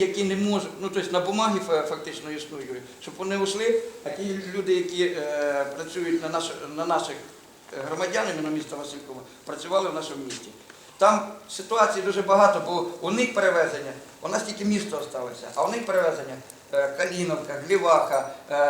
Які не можуть, ну тобто на бумагі фактично існують, щоб вони ушли, а ті люди, які працюють на наших громадянами на місто Василькова, працювали в нашому місті. Там ситуацій дуже багато, бо у них перевезення, у нас тільки місто залишилося, а у них перевезення Каліновка, Гліваха,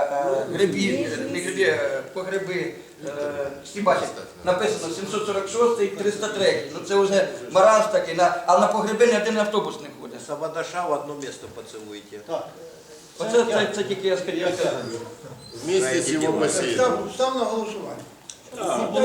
погреби, всі бачать, написано 746 303, ну це вже маразм такий, а на погреби ні один автобус не ходить. Савадаша в одно место поцелуйте. Так. Оце це тільки я скажу. Вместе с его бассейном. Став на голосування. Ні,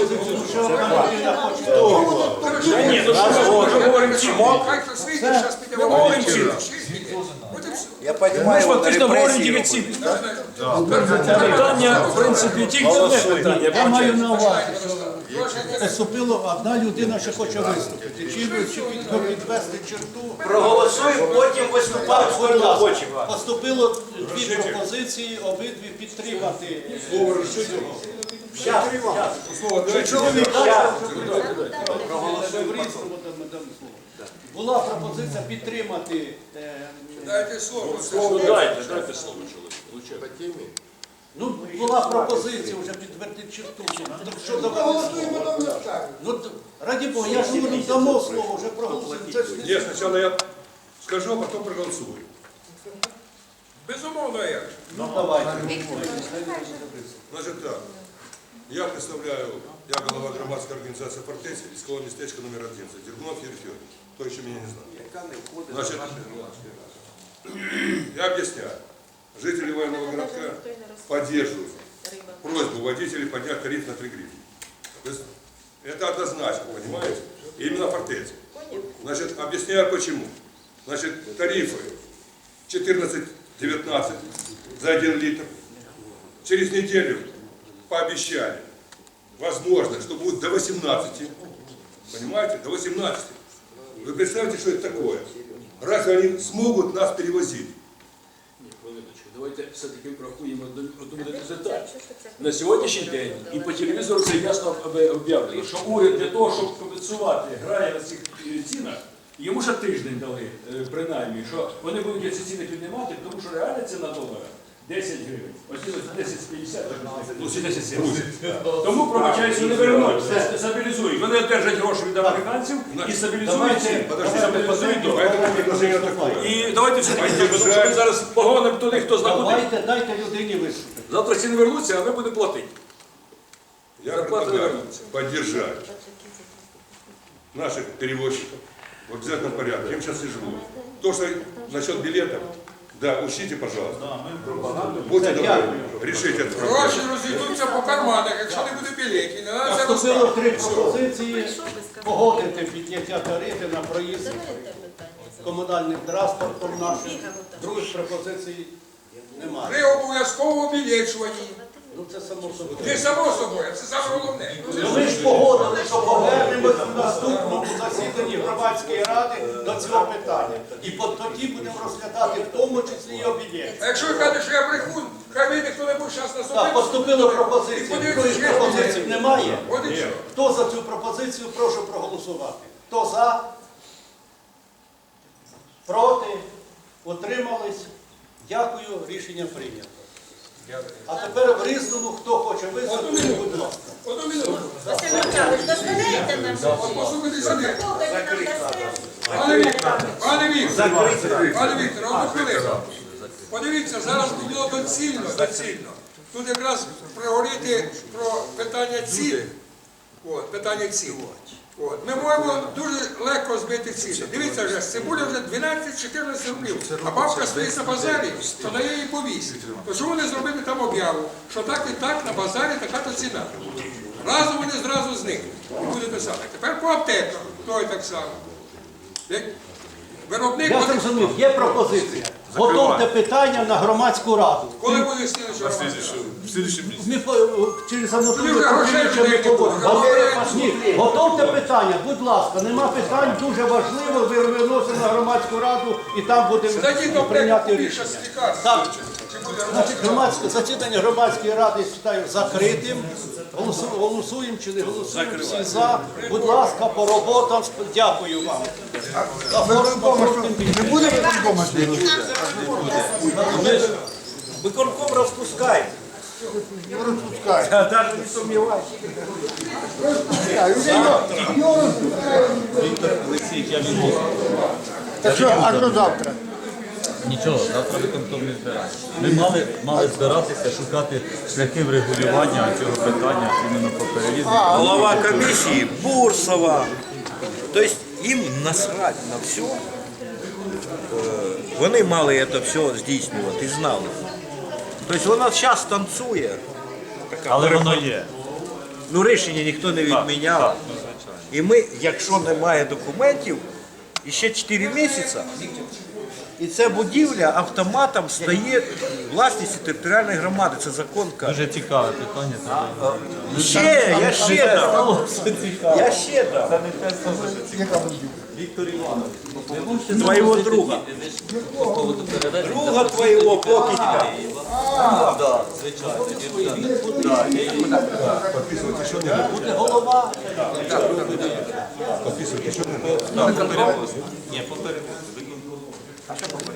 ну що ми говоримо чим? Ми говоримо чим? Я Ми понимаю, ж он фактично говоримо репрессии тільки робить. ці питання, в принципі, тільки одне питання. Я маю на увазі, що поступила одна людина, що хоче виступити. Чи підвести черту? Проголосуємо, потім виступаємо, Будь ласка, хочемо. поступило дві пропозиції, обидві підтримати. Була пропозиція підтримати. Дайте слово чоловіку. По теме? Ну, була пропозиція вже підтвердити черту. Що ну, раді Бога, я ж говорю, дамо слово, вже проголосуємо. Це ж не- Нет, сначала я скажу, а потом проголосую. Безумовно, я. Ну, давайте. Значит так, я представляю, я голова громадской организации «Фортеця», військового местечка номер 11, Дергунов Юрий Федорович. Кто еще меня не знает? Значит, я объясняю. Жители военного городка поддерживают просьбу водителей поднять тариф на 3 гривны. То есть это однозначно, понимаете? Именно «Фортеця». Значит, объясняю почему. Значит, тарифы 14-19 за 1 литр. Через неделю пообещали, возможно, что будет до 18. Понимаете? До 18. Вы представляете, что это такое? Разве они смогут нас перевозить? Давайте все-таки врахуємо одну деталь. На сьогоднішній день і по телевізору це ясно об'явлено, що уряд для того, щоб компенсувати, грає на цих цінах, йому ще тиждень дали, принаймні, що вони будуть ці ціни піднімати, тому що реальна ціна долара 10 гривень. Ось 10,50, 10,70. Тому, пробачаюсь, вони вернуть, стабілізують. Вони одержать гроші від американців і стабілізують ціни. Стабілізують долар. Поэтому предложение такое. І давайте все-таки, тому що ми зараз погонимо туди, хто знаходить. Дайте людині виступити. Завтра ціни вернуться, а ми будемо платити. Я Зарплата предлагаю вернется. поддержать наших перевозчиков в обязательном порядке. Им сейчас тяжело. То, что насчет билетов, да, учтите, пожалуйста. Будьте добры, решите эту проблему. Гроші розійдуться по карманах, якщо не буде білетів. Не треба це Поступило розказувати. 3 пропозиції погодити підняття тарифи на проїзд комунальним транспортом нашим. Других пропозицій немає. При обов'язково обілечуванні. Ну це само собою. Не само собою, це саме головне. Ну, ми ж погодили, що повернемось в наступному засіданні громадської ради до цього питання. І тоді будемо розглядати в тому числі і обідєння. А якщо ви кажете, що я брехун, хай вийде хто-небудь зараз на Так, собі. поступила пропозиція. Подивіться, Других чи є пропозицій білети. немає. От і що. Хто за цю пропозицію, прошу проголосувати. Хто за? Проти? Утримались? Дякую, рішення прийнято. А тепер в Різному, хто хоче виступити, будь ласка. Одну минуту. Василь Михайлович, дозволяєте нам? От послухайте сюди. Скільки ви нам дасте? Пане Віктор, пане Віктор, одну хвилину. Подивіться, зараз було доцільно. Тут якраз проговорити про питання цін. Питання цін. Ми можемо дуже легко збити ціни. Дивіться вже, цибуля вже 12-14 рублів, а бабка стоїть на базарі, то дає їй по 8. То чому не зробити там об'яву, що так і так на базарі така-то ціна? Разом вони зразу зникнуть і буде те саме. Тепер по аптеках, то і так само. Виробник Я буде... зрозумів, є пропозиція. Готовте питання на громадську раду. Коли буде слідчого Ми через Анатолія Юрій, Петровича ми грошей поговоримо. не Ні, готовте питання, будь ласка, нема питань, дуже важливо, ви виносимо на громадську раду і там будемо Зайдіть до прийняти аптеку, рішення. більше лікарств. Так. Чи буде Значить, засідання громадської ради вважаю закритим. Голосуємо чи не голосуємо? Всі за. Будь ласка, по роботам. Дякую вам. Не буде виконкома? Виконком розпускайте. Розпускай. Навіть не сумнівайтесь. Так що, а що завтра? Нічого, завтра виконком не збирається. Ми мали збиратися, шукати шляхи врегулювання цього питання іменно по переїзду. Голова комісії Бурсова. Тобто їм насрать на все. Вони мали це все здійснювати і знали. Тобто вона зараз танцює. Але воно є. Ну рішення ніхто не відміняв. Так. І ми, якщо немає документів, і ще 4 місяці, і ця будівля автоматом стає власністю територіальної громади. Це закон каже. Дуже цікаве питання. Я ще дам. Я ще дам. Віктор Іванович. Твоего друга. Друга твоего покидька. Так, звичайно. Буде голова. Ні, попередньо.